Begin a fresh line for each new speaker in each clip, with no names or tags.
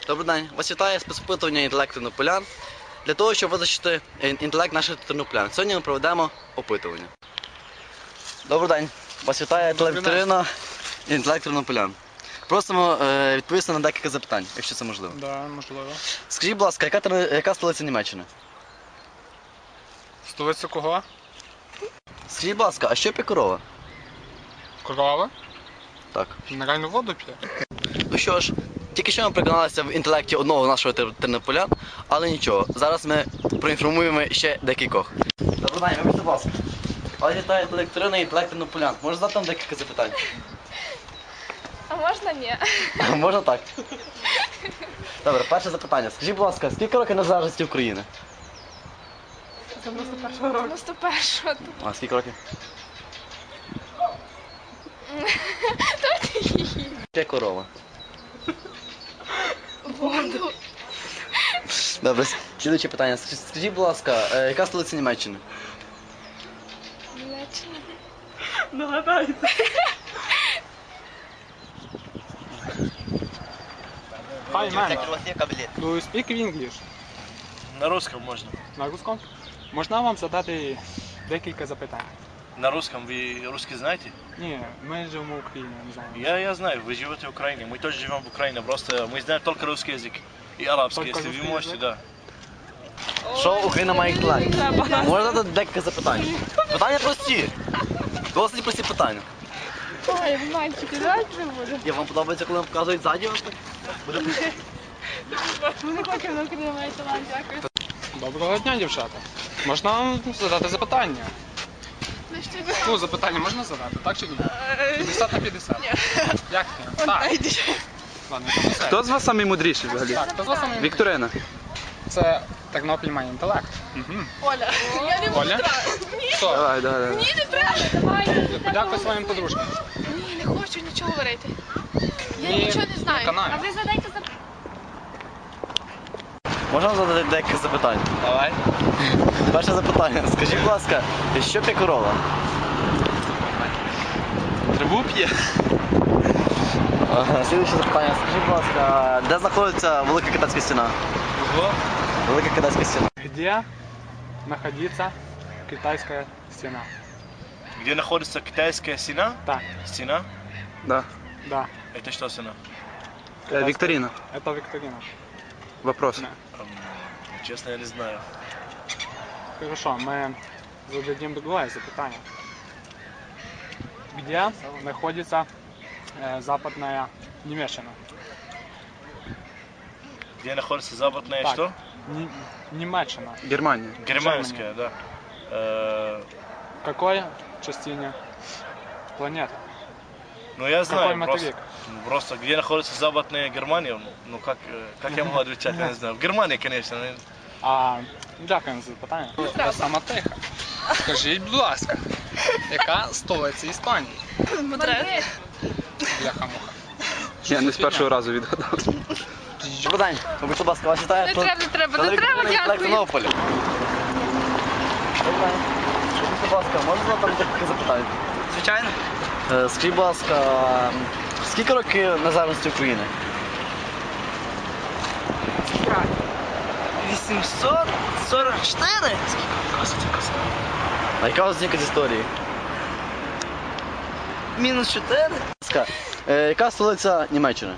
Добрий день. Вас вітає спецопитування інтелект тернополян для того, щоб визначити інтелект наших тернополян. Сьогодні ми проведемо опитування. Добрий день. Вас вітає телевікторина інтелект тернополян. Просимо відповісти на декілька запитань, якщо це можливо.
Да, можливо.
Скажіть, будь ласка, яка столиця Німеччини?
Столиця кого?
Скажіть, будь ласка, а що п'є корова?
Корова?
Так.
Мінеральну воду п'є.
Ну що ж, тільки що ми переконалися в інтелекті одного нашого тернополян, але нічого, зараз ми проінформуємо ще декількох. Добрий день, вибачте, будь ласка. Вас вітає телевікторина інтелект тернополян. Можна задати вам декілька запитань?
А можна ні?
Можна так. Добре, перше запитання. Скажіть, будь ласка, скільки років незалежності України?
91-го.
А скільки років? Ще корова.
Воду.
Добре, слідуюче питання. Скажіть, будь ласка, яка столиця Німеччини?
Німеччина.
Нагадайте. Hi man, do you speak English?
На русском можно.
На русском? Можна вам задати декілька запитань?
На русском вы русский знаете?
Ні, ми живемо в Україні, не знаю.
Я знаю, вы живете в Украине. Мы тоже живем в Украине. Просто мы знаем только русский язык и арабский,
Только
если вы
русский
можете,
язык?
да.
Що Україна має інтелект? Можна задати декілька запитань? Питання прості. Досить прості питання.
Ой, мальчики, давайте не буде.
Я вам подобається, коли вам показують ззаді вас так? Буде
Ми не хочемо на Україну має талант, дякую.
Доброго дня, дівчата. Можна вам задати запитання? Ну, запитання можна задати, так чи ні? 50 на 50? Ні. Як ні? Так. Ладно, я все.
Хто з вас наймудріший взагалі?
Так, хто з вас саме?
Вікторина.
Це Тернопіль має інтелект. Угу.
Оля, я не
Оля? Хто?
Давай, давай.
Ні, не треба, давай.
Подякуй своїм подружкам.
Ні, не хочу нічого говорити. Я
Ні,
нічого не знаю.
канаю.
А ви задайте запитання.
Можна задати декілька запитань?
Давай.
Перше запитання. Скажіть, будь ласка, що п'є корова?
Траву п'є.
Слідуюче запитання. Скажіть, будь ласка, де знаходиться Велика Китайська стіна?
Ого.
Велика Китайська стіна.
Где находится китайская стена?
Где находится китайская стена?
Так,
Стена?
Да.
да.
Это что стена?
Вікторина.
Это викторина.
Вопрос.
Да.
Честно, я не знаю.
Хорошо, мы зададим другое запитание. Где находится западная Немеччина?
Где находится западная
Так.
что?
Немеччина.
Германія.
Германская, да.
В какой частине планеты?
Ну я знаю,
Какой материк?
просто где находится западная Германия, ну как я могу отвечать, я не знаю. В Германии, конечно.
Дякуємо за запитання. Сама тиха. Скажіть, будь ласка, яка столиця Іспанії?
Мадрид.
Бляха-муха.
Я не з першого разу відгадав.
Добрий день. Вибачте, будь ласка, вас вітає
Не треба,
телевікторина інтелект
дякую.
Тернополя. Добрий день. Скажіть, будь ласка, можна задати декілька запитань?
Звичайно.
Скажіть, будь ласка, скільки років незалежності України?
844?
А яка у вас оцінка з історії?
Мінус 4?
Будь ласка, яка столиця Німеччини?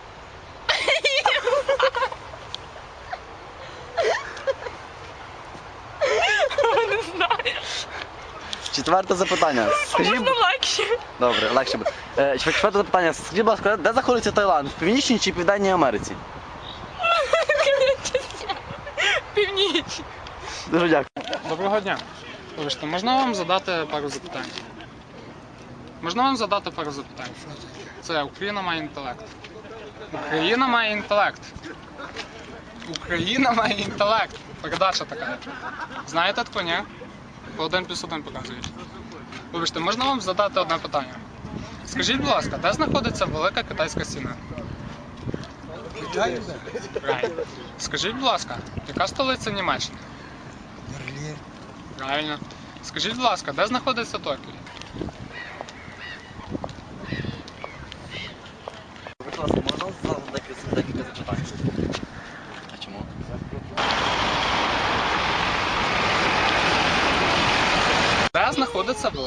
Не знаю.
Четверте запитання.
Можна легше.
Добре, легше буде. Четверте запитання. Скажіть, будь ласка, де знаходиться Таїланд? В Північній чи Південній Америці?
Північ.
Дуже дякую.
Доброго дня. Вибачте, можна вам задати пару запитань? Можна вам задати пару запитань? Це Україна має інтелект. Україна має інтелект. Україна має інтелект. Передача така. Знаєте таку, ні? По 1+1 показують. Вибачте, можна вам задати одне питання? Скажіть, будь ласка, де знаходиться Велика Китайська стіна? Правильно. Скажіть, будь ласка, яка столиця Німеччини?
Берлін.
Правильно. Скажіть, будь ласка, де знаходиться Токіо?
Будь ласка, можна задати декілька запитань?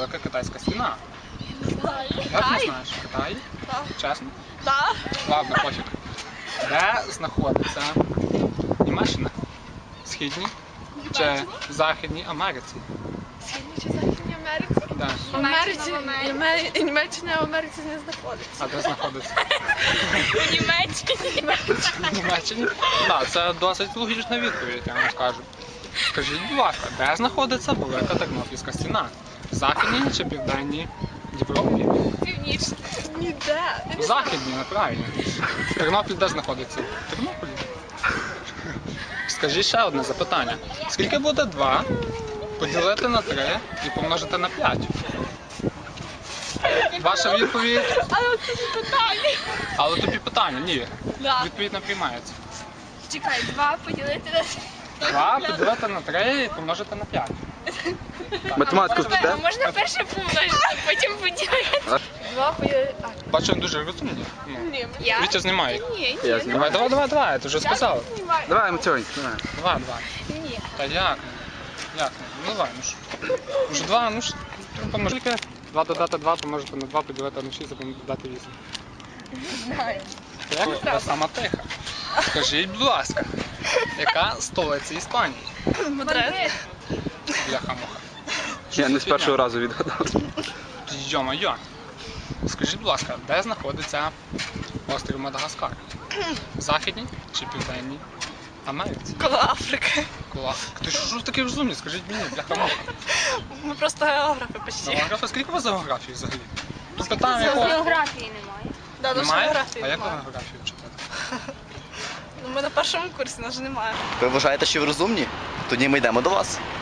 велика китайська стіна?
Не знаю.
Як не
Китай?
знаєш? Китай?
Так.
Чесно?
Так.
Ладно, пофіг. Де знаходиться Німеччина? Східній чи Західній Америці?
Східній чи Західній Америці?
Так.
В Америці. Німеччина в Америці не знаходиться.
А де знаходиться?
У Німеччині.
В Німеччині? Так, це досить логічна відповідь, я вам скажу. Скажіть, будь ласка, де знаходиться велика Тернопільська стіна? В Західній чи Південній Європі?
Північна. Ніде.
В Західній, неправильно. Тернопіль де знаходиться? В Тернополі. Скажіть ще одне запитання. Скільки буде 2 поділити на 3 і помножити на 5? Ваша відповідь?
Але це не питання.
Але тобі питання, ні.
Да.
Відповідь не приймається.
Чекай, 2 поділити на
2 поділити на 3 і помножити на 5.
Математику
Можна,
вчите?
можна перше помножити, потім поділити. 2 поділити.
Бачу, дуже розумні. Ну,
Ні. Я?
Вітя знімає.
Ні,
Я
ні.
знімаю.
Давай, я ти вже сказав.
Знімаю.
Давай, Матюнь, давай.
2.
Ні.
Та як? Як? Ну давай, ну ж. Уже 2, ну ж. Помножити. 2 додати 2, помножити на 2, поділити на 6, а додати 8.
Не знаю.
Як? Та сама тиха. Скажіть, будь ласка, яка столиця Іспанії?
Мадрид.
Бляха-муха.
Я не з першого разу відгадав.
Йо-моє. Скажіть, будь ласка, де знаходиться острів Мадагаскар? В Західній чи Південній Америці?
Коло Африки.
Клас. Ти що ж такий розумний? Скажіть мені, бляха-муха.
Ми просто географи почти.
Географія, скільки у вас за географії взагалі? Тут питання якого?
Географії немає. Да, наша
Немає?
географії
А як ви
немає.
географію вчите?
Ну, ми на першому курсі, нас же немає.
Ви вважаєте, що ви розумні? Тоді ми йдемо до вас.